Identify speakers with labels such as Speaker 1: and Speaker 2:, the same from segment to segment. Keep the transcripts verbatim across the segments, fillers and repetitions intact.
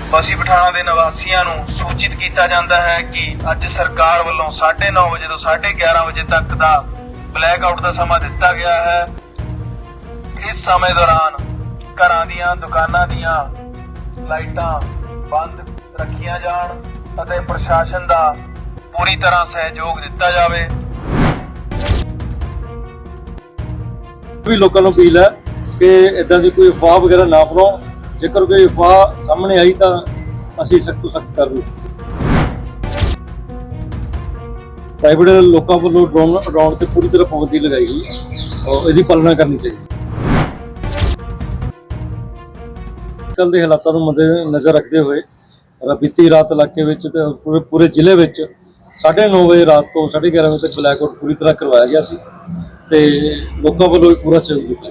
Speaker 1: बसी पठाणा ਦੇ ਨਿਵਾਸੀਆਂ ਨੂੰ ਸੂਚਿਤ ਕੀਤਾ ਜਾਂਦਾ ਹੈ ਕਿ ਅੱਜ ਸਰਕਾਰ ਵੱਲੋਂ साढ़े नौ ਵਜੇ ਤੋਂ साढ़े ग्यारह ਵਜੇ ਤੱਕ ਦਾ ਬਲੈਕ ਆਊਟ ਦਾ ਸਮਾਂ ਦਿੱਤਾ ਗਿਆ ਹੈ। ਇਸ ਸਮੇਂ ਦੌਰਾਨ ਘਰਾਂ ਦੀਆਂ ਦੁਕਾਨਾਂ ਦੀਆਂ ਲਾਈਟਾਂ ਬੰਦ ਰੱਖੀਆਂ ਜਾਣ ਅਤੇ ਪ੍ਰਸ਼ਾਸਨ ਦਾ ਪੂਰੀ ਤਰ੍ਹਾਂ ਸਹਿਯੋਗ ਦਿੱਤਾ ਜਾਵੇ।
Speaker 2: ਵੀ ਲੋਕਾਂ ਨੂੰ ਅਪੀਲ ਹੈ ਕਿ ਇਦਾਂ ਦੀ ਕੋਈ ਅਫਵਾਹ ਵਗੈਰਾ ਨਾ ਫੈਲਾਓ। ਜੇਕਰ ਕੋਈ ਅਫਵਾਹ ਸਾਹਮਣੇ ਆਈ ਤਾਂ ਅਸੀਂ ਸਖਤ ਤੋਂ ਸਖਤ ਕਾਰਵਾਈ ਪ੍ਰਾਈਵੇਟ ਲੋਕਾਂ ਵੱਲੋਂ ਡਰੋਨ ਉਡਾਉਣ ਤੇ ਪੂਰੀ ਤਰ੍ਹਾਂ ਪਾਬੰਦੀ ਲਗਾਈ ਗਈ ਹੈ ਔਰ ਇਹਦੀ ਪਾਲਣਾ ਕਰਨੀ ਚਾਹੀਦੀ। ਕੱਲ੍ਹ ਦੇ ਹਾਲਾਤਾਂ ਨੂੰ ਮੱਦੇ ਨਜ਼ਰ ਰੱਖਦੇ ਹੋਏ ਬੀਤੀ ਰਾਤ ਇਲਾਕੇ ਵਿੱਚ ਤੇ ਪੂਰੇ ਪੂਰੇ ਜ਼ਿਲ੍ਹੇ ਵਿੱਚ ਸਾਢੇ ਨੌ ਵਜੇ ਰਾਤ ਤੋਂ ਸਾਢੇ ਗਿਆਰਾਂ ਵਜੇ ਤੱਕ ਬਲੈਕ ਆਊਟ ਪੂਰੀ ਤਰ੍ਹਾਂ ਕਰਵਾਇਆ ਗਿਆ ਸੀ ਤੇ ਲੋਕਾਂ ਵੱਲੋਂ ਵੀ ਪੂਰਾ ਸਹਿਯੋਗ ਦਿੱਤਾ।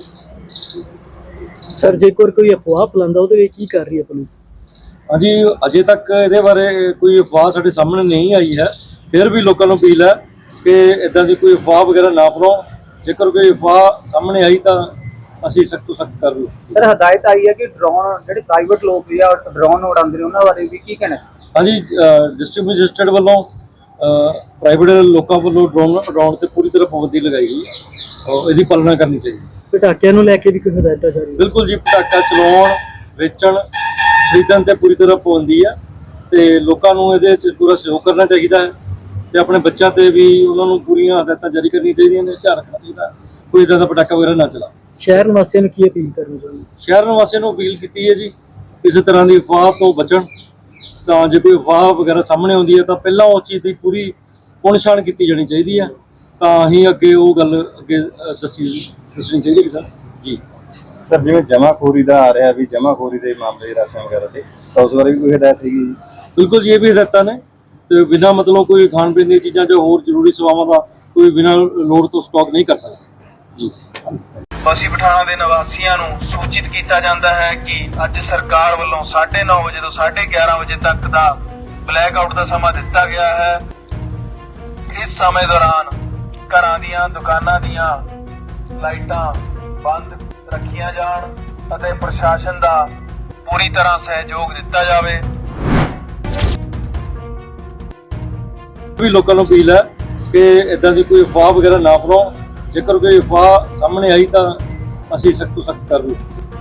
Speaker 3: ਸਰ ਜੇਕਰ ਕੋਈ ਅਫਵਾਹ ਫੈਲਾਉਂਦਾ ਉਹਦੇ ਵਿੱਚ ਕੀ ਕਰ ਰਹੀ ਹੈ ਪੁਲਿਸ?
Speaker 2: ਹਾਂਜੀ, ਅਜੇ ਤੱਕ ਇਹਦੇ ਬਾਰੇ ਕੋਈ ਅਫਵਾਹ ਸਾਡੇ ਸਾਹਮਣੇ ਨਹੀਂ ਆਈ ਹੈ। ਫਿਰ ਵੀ ਲੋਕਾਂ ਨੂੰ ਅਪੀਲ ਹੈ ਕਿ ਇਦਾਂ ਦੀ ਕੋਈ ਅਫਵਾਹ ਵਗੈਰਾ ਨਾ ਫੈਲਾਓ। ਜੇਕਰ ਕੋਈ ਅਫਵਾਹ ਸਾਹਮਣੇ ਆਈ ਤਾਂ ਅਸੀਂ ਸਖਤ ਤੋਂ ਸਖਤ ਕਾਰਵਾਈ
Speaker 4: ਸਰ ਹਦਾਇਤ ਆਈ ਹੈ ਕਿ ਡਰੋਨ ਜਿਹੜੇ ਪ੍ਰਾਈਵੇਟ ਲੋਕ ਵੀ ਆ ਡਰੋਨ ਉਡਾਉਂਦੇ ਨੇ ਉਹਨਾਂ ਬਾਰੇ ਵੀ ਕੀ ਕਹਿਣਾ?
Speaker 2: ਹਾਂਜੀ, ਡਿਸਟ੍ਰਿਕਟ ਮੈਜਿਸਟਰੇਟ ਵੱਲੋਂ ਪ੍ਰਾਈਵੇਟ ਲੋਕਾਂ ਵੱਲੋਂ ਡਰੋਨ ਉਡਾਉਣ ਤੇ ਪੂਰੀ ਤਰ੍ਹਾਂ ਪਾਬੰਦੀ ਲਗਾਈ ਗਈ ਹੈ ਔਰ ਇਹਦੀ ਪਾਲਣਾ ਕਰਨੀ ਚਾਹੀਦੀ।
Speaker 3: ਪਟਾਕਿਆਂ ਨੂੰ ਲੈ ਕੇ ਵੀ ਕੋਈ ਹਦਾਇਤਾਂ ਜਾਰੀ?
Speaker 2: ਬਿਲਕੁਲ ਜੀ, ਪਟਾਕਾ ਚਲਾਉਣ, ਵੇਚਣ, ਖਰੀਦਣ ਤੇ ਪੂਰੀ ਤਰ੍ਹਾਂ ਪਾਬੰਦੀ ਹੈ ਤੇ ਲੋਕਾਂ ਨੂੰ ਇਹਦੇ ਵਿੱਚ ਪੂਰਾ ਸਹਿਯੋਗ ਕਰਨਾ ਚਾਹੀਦਾ ਹੈ ਤੇ ਆਪਣੇ ਬੱਚਿਆਂ ਤੇ ਵੀ ਉਹਨਾਂ ਨੂੰ ਪੂਰੀਆਂ ਹਦਾਇਤਾਂ ਜਾਰੀ ਕਰਨੀਆਂ ਚਾਹੀਦੀਆਂ ਨੇ। ਧਿਆਨ ਰੱਖਣਾ ਚਾਹੀਦਾ ਕੋਈ ਇੱਦਾਂ ਦਾ ਪਟਾਕਾ ਵਗੈਰਾ ਨਾ ਚਲਾ।
Speaker 3: ਸ਼ਹਿਰ ਨਿਵਾਸੀਆਂ ਨੂੰ ਕੀ ਅਪੀਲ ਕਰਨੀ ਚਾਹੁੰਦੇ?
Speaker 2: ਸ਼ਹਿਰ ਨਿਵਾਸੀਆਂ ਨੂੰ ਅਪੀਲ ਕੀਤੀ ਹੈ ਜੀ ਕਿਸੇ ਤਰ੍ਹਾਂ ਦੀ ਅਫਵਾਹ ਤੋਂ ਬਚਣ। ਤਾਂ ਜੇ ਕੋਈ ਅਫਵਾਹ ਵਗੈਰਾ ਸਾਹਮਣੇ ਆਉਂਦੀ ਹੈ ਤਾਂ ਪਹਿਲਾਂ ਉਸ ਚੀਜ਼ ਦੀ ਪੂਰੀ ਪੁਣਛਾਣ ਕੀਤੀ ਜਾਣੀ ਚਾਹੀਦੀ ਹੈ ਤਾਂ ਹੀ ਅੱਗੇ ਉਹ ਗੱਲ ਅੱਗੇ ਦੱਸੀ ਦੱਸਣੀ ਚਾਹੀਦੀ ਹੈ ਸਰ ਜੀ।
Speaker 5: ਸਰ ਜਿਵੇਂ ਜਮਾਖੋਰੀ ਦਾ ਆ ਰਿਹਾ ਵੀ ਜਮਾਖੋਰੀ ਦੇ ਮਾਮਲੇ ਰਾਸ਼ਨ ਵਗੈਰਾ ਤੇ ਤਾਂ ਉਸ ਬਾਰੇ ਵੀ ਕੋਈ ਹਦਾਇਤ ਹੈਗੀ ਜੀ?
Speaker 2: ਬਿਲਕੁਲ ਜੀ, ਇਹ ਵੀ ਹਦਾਇਤਾਂ ਨੇ ਤੇ ਬਿਨਾਂ ਮਤਲਬ ਕੋਈ ਖਾਣ ਪੀਣ ਦੀਆਂ ਚੀਜ਼ਾਂ ਜਾਂ ਹੋਰ ਜ਼ਰੂਰੀ ਸੇਵਾਵਾਂ ਦਾ ਕੋਈ ਬਿਨਾਂ ਲੋੜ ਤੋਂ ਸਟਾਕ ਨਹੀਂ ਕਰ ਸਕਦਾ ਜੀ।
Speaker 1: ਬਸੀ ਪਠਾਣਾ ਦੇ ਨਿਵਾਸੀਆਂ ਨੂੰ ਸੂਚਿਤ ਕੀਤਾ ਜਾਂਦਾ ਹੈ ਕਿ ਅੱਜ ਸਰਕਾਰ ਵੱਲੋਂ साढ़े नौ ਵਜੇ ਤੋਂ साढ़े ग्यारह ਵਜੇ ਤੱਕ ਦਾ ਬਲੈਕ ਆਊਟ ਦਾ ਸਮਾਂ ਦਿੱਤਾ ਗਿਆ ਹੈ। ਇਸ ਸਮੇਂ ਦੌਰਾਨ ਘਰਾਂ ਦੀਆਂ ਦੁਕਾਨਾਂ ਦੀਆਂ ਲਾਈਟਾਂ ਬੰਦ ਰੱਖੀਆਂ ਜਾਣ ਅਤੇ ਪ੍ਰਸ਼ਾਸਨ ਦਾ ਪੂਰੀ ਤਰ੍ਹਾਂ ਸਹਿਯੋਗ ਦਿੱਤਾ ਜਾਵੇ।
Speaker 2: ਵੀ ਲੋਕਾਂ ਨੂੰ ਅਪੀਲ ਹੈ ਕਿ ਇਦਾਂ ਦੀ ਕੋਈ ਅਫਵਾਹ ਵਗੈਰਾ ਨਾ ਫੈਲਾਓ। ਜੇਕਰ ਕੋਈ ਅਫਵਾਹ ਸਾਹਮਣੇ ਆਈ ਤਾਂ ਅਸੀਂ ਸਖਤ ਤੋਂ ਸਖਤ ਕਾਰਵਾਈ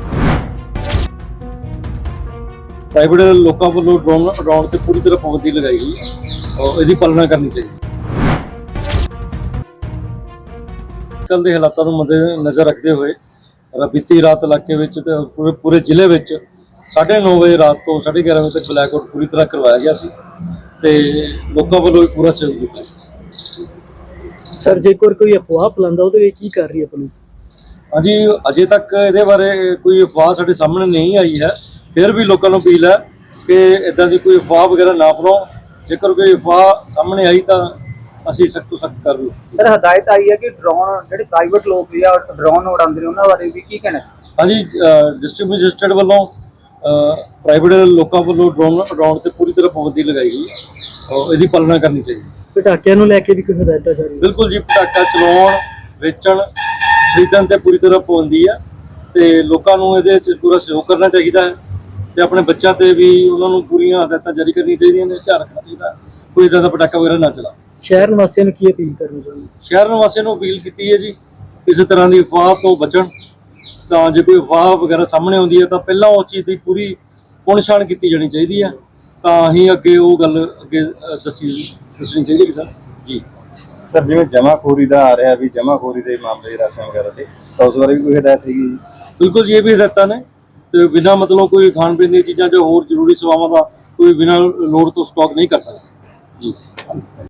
Speaker 2: ਪ੍ਰਾਈਵੇਟ ਲੋਕਾਂ ਵੱਲੋਂ ਡਰੋਨ ਉਡਾਉਣ ਤੇ ਪੂਰੀ ਤਰ੍ਹਾਂ ਪਾਬੰਦੀ ਲਗਾਈ ਗਈ ਹੈ ਔਰ ਇਹਦੀ ਪਾਲਣਾ ਕਰਨੀ ਚਾਹੀਦੀ। ਕੱਲ੍ਹ ਦੇ ਹਾਲਾਤਾਂ ਨੂੰ ਮੱਦੇ ਨਜ਼ਰ ਰੱਖਦੇ ਹੋਏ ਬੀਤੀ ਰਾਤ ਇਲਾਕੇ ਵਿੱਚ ਤੇ ਪੂਰੇ ਪੂਰੇ ਜ਼ਿਲ੍ਹੇ ਵਿੱਚ ਸਾਢੇ ਨੌ ਵਜੇ ਰਾਤ ਤੋਂ ਸਾਢੇ ਗਿਆਰਾਂ ਵਜੇ ਤੱਕ ਬਲੈਕ ਆਊਟ ਪੂਰੀ ਤਰ੍ਹਾਂ ਕਰਵਾਇਆ ਗਿਆ ਸੀ ਤੇ ਲੋਕਾਂ ਵੱਲੋਂ ਵੀ ਪੂਰਾ ਸਹਿਯੋਗ ਦਿੱਤਾ।
Speaker 3: ਸਰ ਜੇਕਰ ਕੋਈ ਅਫਵਾਹ ਫੈਲਾਉਂਦਾ ਉਹਦੇ ਵਿੱਚ ਕੀ ਕਰ ਰਹੀ ਹੈ ਪੁਲਿਸ?
Speaker 2: ਹਾਂਜੀ, ਅਜੇ ਤੱਕ ਇਹਦੇ ਬਾਰੇ ਕੋਈ ਅਫਵਾਹ ਸਾਡੇ ਸਾਹਮਣੇ ਨਹੀਂ ਆਈ ਹੈ। ਫਿਰ ਵੀ ਲੋਕਾਂ ਨੂੰ ਅਪੀਲ ਹੈ ਕਿ ਇਦਾਂ ਦੀ ਕੋਈ ਅਫਵਾਹ ਵਗੈਰਾ ਨਾ ਫੈਲਾਓ। ਜੇਕਰ ਕੋਈ ਅਫਵਾਹ ਸਾਹਮਣੇ ਆਈ ਤਾਂ ਅਸੀਂ ਸਖਤ ਤੋਂ ਸਖਤ ਕਾਰਵਾਈ
Speaker 4: ਸਰ ਹਦਾਇਤ ਆਈ ਹੈ ਕਿ ਡਰੋਨ ਜਿਹੜੇ ਪ੍ਰਾਈਵੇਟ ਲੋਕ ਵੀ ਆ ਡਰੋਨ ਉਡਾਉਂਦੇ ਨੇ ਉਹਨਾਂ ਬਾਰੇ ਵੀ ਕੀ ਕਹਿਣਾ?
Speaker 2: ਹਾਂਜੀ, ਡਿਸਟ੍ਰਿਕਟ ਮੈਜਿਸਟਰੇਟ ਵੱਲੋਂ ਪ੍ਰਾਈਵੇਟ ਲੋਕਾਂ ਵੱਲੋਂ ਡਰੋਨ ਉਡਾਉਣ ਤੇ ਪੂਰੀ ਤਰ੍ਹਾਂ ਪਾਬੰਦੀ ਲਗਾਈ ਗਈ ਹੈ ਔਰ ਇਹਦੀ ਪਾਲਣਾ ਕਰਨੀ ਚਾਹੀਦੀ।
Speaker 3: ਪਟਾਕਿਆਂ ਨੂੰ ਲੈ ਕੇ ਵੀ ਕੋਈ ਹਦਾਇਤਾਂ ਜਾਰੀ?
Speaker 2: ਬਿਲਕੁਲ ਜੀ, ਪਟਾਕਾ ਚਲਾਉਣ, ਵੇਚਣ, ਖਰੀਦਣ ਤੇ ਪੂਰੀ ਤਰ੍ਹਾਂ ਪਾਬੰਦੀ ਹੈ ਤੇ ਲੋਕਾਂ ਨੂੰ ਇਹਦੇ ਵਿੱਚ ਪੂਰਾ ਸਹਿਯੋਗ ਕਰਨਾ ਚਾਹੀਦਾ ਹੈ ਤੇ ਆਪਣੇ ਬੱਚਿਆਂ ਤੇ ਵੀ ਉਹਨਾਂ ਨੂੰ ਪੂਰੀਆਂ ਹਦਾਇਤਾਂ ਜਾਰੀ ਕਰਨੀਆਂ ਚਾਹੀਦੀਆਂ ਨੇ। ਧਿਆਨ ਰੱਖਣਾ ਚਾਹੀਦਾ ਕੋਈ ਇੱਦਾਂ ਦਾ ਪਟਾਕਾ ਵਗੈਰਾ ਨਾ ਚਲਾ।
Speaker 3: ਸ਼ਹਿਰ ਨਿਵਾਸੀਆਂ ਨੂੰ ਕੀ ਅਪੀਲ ਕਰਨੀ ਚਾਹੁੰਦੇ?
Speaker 2: ਸ਼ਹਿਰ ਨਿਵਾਸੀਆਂ ਨੂੰ ਅਪੀਲ ਕੀਤੀ ਹੈ ਜੀ ਕਿਸੇ ਤਰ੍ਹਾਂ ਦੀ ਅਫਵਾਹ ਤੋਂ ਬਚਣ। ਤਾਂ ਜੇ ਕੋਈ ਅਫਵਾਹ ਵਗੈਰਾ ਸਾਹਮਣੇ ਆਉਂਦੀ ਹੈ ਤਾਂ ਪਹਿਲਾਂ ਉਸ ਚੀਜ਼ ਦੀ ਪੂਰੀ ਪੁਣਛਾਣ ਕੀਤੀ ਜਾਣੀ ਚਾਹੀਦੀ ਹੈ ਤਾਂ ਹੀ ਅੱਗੇ ਉਹ ਗੱਲ ਅੱਗੇ ਦੱਸੀ ਦੱਸਣੀ ਚਾਹੀਦੀ ਹੈ ਸਰ ਜੀ।
Speaker 5: ਸਰ ਜਿਵੇਂ ਜਮਾਖੋਰੀ ਦਾ ਆ ਰਿਹਾ ਵੀ ਜਮਾਖੋਰੀ ਦੇ ਮਾਮਲੇ ਰਾਸ਼ਨ ਵਗੈਰਾ ਤੇ ਤਾਂ ਉਸ ਬਾਰੇ ਵੀ ਕੋਈ ਹਦਾਇਤ ਹੈਗੀ ਜੀ?
Speaker 2: ਬਿਲਕੁਲ ਜੀ, ਇਹ ਵੀ ਹਦਾਇਤਾਂ ਨੇ ਤੇ ਬਿਨਾਂ ਮਤਲਬ ਕੋਈ ਖਾਣ ਪੀਣ ਦੀਆਂ ਚੀਜ਼ਾਂ ਜਾਂ ਹੋਰ ਜ਼ਰੂਰੀ ਸੇਵਾਵਾਂ ਦਾ ਕੋਈ ਬਿਨਾਂ ਲੋੜ ਤੋਂ ਸਟਾਕ ਨਹੀਂ ਕਰ ਸਕਦਾ ਜੀ।